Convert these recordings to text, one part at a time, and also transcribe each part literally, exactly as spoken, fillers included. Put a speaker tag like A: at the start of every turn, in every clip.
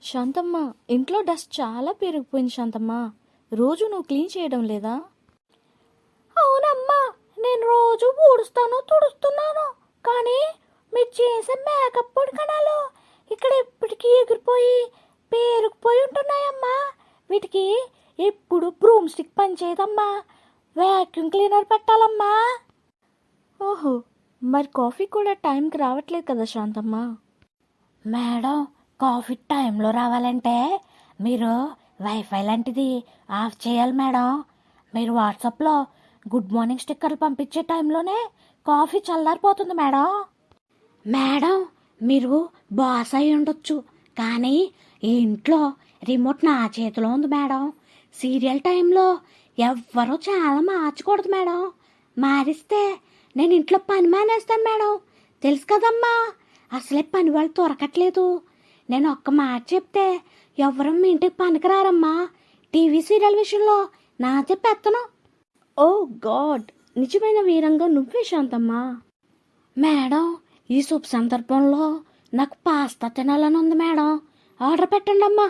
A: శాంతమ్మ, ఇంట్లో డస్ట్ చాలా పెరిగిపోయింది శాంతమ్మ. రోజు నువ్వు క్లీన్ చేయడం లేదా?
B: అవునమ్మా, నేను రోజు ఊడుస్తాను తుడుస్తున్నాను, కానీ మీరు చేసే మేకప్ పొడి కణాలు ఇక్కడ ఎప్పటికీ ఎగిరిపోయి పేరుకుపోయి ఉంటున్నాయమ్మా. వీటికి ఎప్పుడు బ్రూమ్ స్టిక్ పనిచేయదమ్మా. వ్యాక్యూమ్ క్లీనర్ పెట్టాలమ్మా.
A: ఓహో, మరి కాఫీ కూడా టైంకి రావట్లేదు కదా శాంతమ్మ?
B: మేడం, కాఫీ టైంలో రావాలంటే మీరు వైఫై లాంటిది ఆఫ్ చేయాలి మేడం. మీరు వాట్సాప్లో గుడ్ మార్నింగ్ స్టిక్కర్లు పంపించే టైంలోనే కాఫీ చల్లారిపోతుంది మేడం. మేడం, మీరు బాస్ అయి ఉండొచ్చు, కానీ ఈ ఇంట్లో రిమోట్ నా చేతిలో ఉంది మేడం. సీరియల్ టైంలో ఎవ్వరూ చాలా మార్చకూడదు మేడం. మారిస్తే నేను ఇంట్లో పని మానేస్తాను మేడం. తెలుసు కదమ్మా, అసలే పని వాళ్ళు దొరకట్లేదు. నేను ఒక్క మాట చెప్తే ఎవరు మీ ఇంటికి పనికిరారమ్మా. టీవీ సీరియల్ విషయంలో నాదే పెత్తను.
A: ఓ గాడ్, నిజమైన వీరంగా నువ్వే శాంతమ్మ.
B: మేడం, ఈ శుభ సందర్భంలో నాకు పాస్తా తినాలని ఉంది మేడం. ఆర్డర్ పెట్టండి అమ్మా.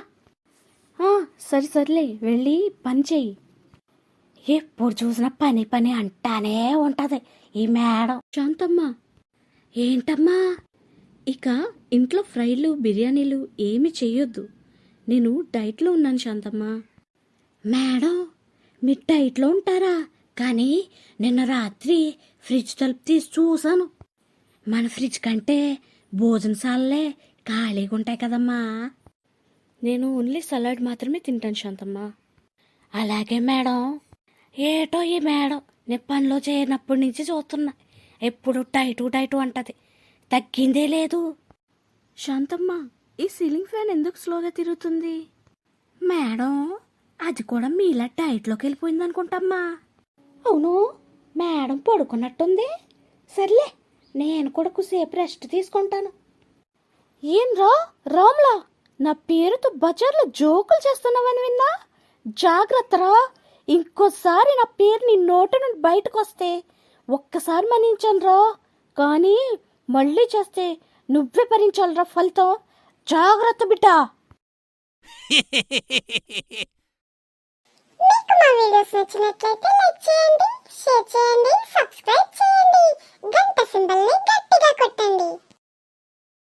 A: సరి సర్లే, వెళ్ళి పని చెయ్యి.
B: ఎప్పుడు చూసినా పని పని అంటానే ఉంటది ఈ మేడం.
A: శాంతమ్మ,
B: ఏంటమ్మా?
A: ఇక ఇంట్లో ఫ్రైలు బిర్యానీలు ఏమి చెయ్యొద్దు. నేను డైట్లో ఉన్నాను శాంతమ్మ.
B: మేడం, మీరు డైట్లో ఉంటారా? కానీ నిన్న రాత్రి ఫ్రిడ్జ్ తలుపు తీసి చూశాను. మన ఫ్రిడ్జ్ కంటే భోజనశాలలే ఖాళీగా ఉంటాయి కదమ్మా.
A: నేను ఓన్లీ సలాడ్ మాత్రమే తింటాను శాంతమ్మ.
B: అలాగే మేడం. ఏటో ఈ మేడం నేను పనిలో చేరినప్పటి నుంచి చూస్తున్నా, ఎప్పుడు టైటు టైటు అంటది, తగ్గిందే లేదు.
A: శాంతమ్మ, ఈ సీలింగ్ ఫ్యాన్ ఎందుకు స్లోగా తిరుగుతుంది?
B: మేడం, అది కూడా మీలా డైట్లోకి వెళ్ళిపోయింది అనుకుంటమ్మా. అవును, మేడం పడుకున్నట్టుంది. సర్లే, నేను కూడా కొద్దిసేపు రెస్ట్ తీసుకుంటాను.
A: ఏం రా రామ్లా, నా పేరుతో బజార్లో జోకులు చేస్తున్నావని విన్నా. జాగ్రత్తరా, ఇంకోసారి నా పేరు నీ నోటి నుండి బయటకు వస్తే ఒక్కసారి మన్నించాను రా, కానీ మళ్ళీ చేస్తే నువ్వే భరించాలిరా ఫలితం. జాగ్రత్త బిడ్డా.
C: మీకు మా వీడియోస్ నచ్చినట్లయితే లైక్ చేయండి, షేర్ చేయండి, సబ్స్క్రైబ్ చేయండి, గంట సింబల్ని గట్టిగా కొట్టండి.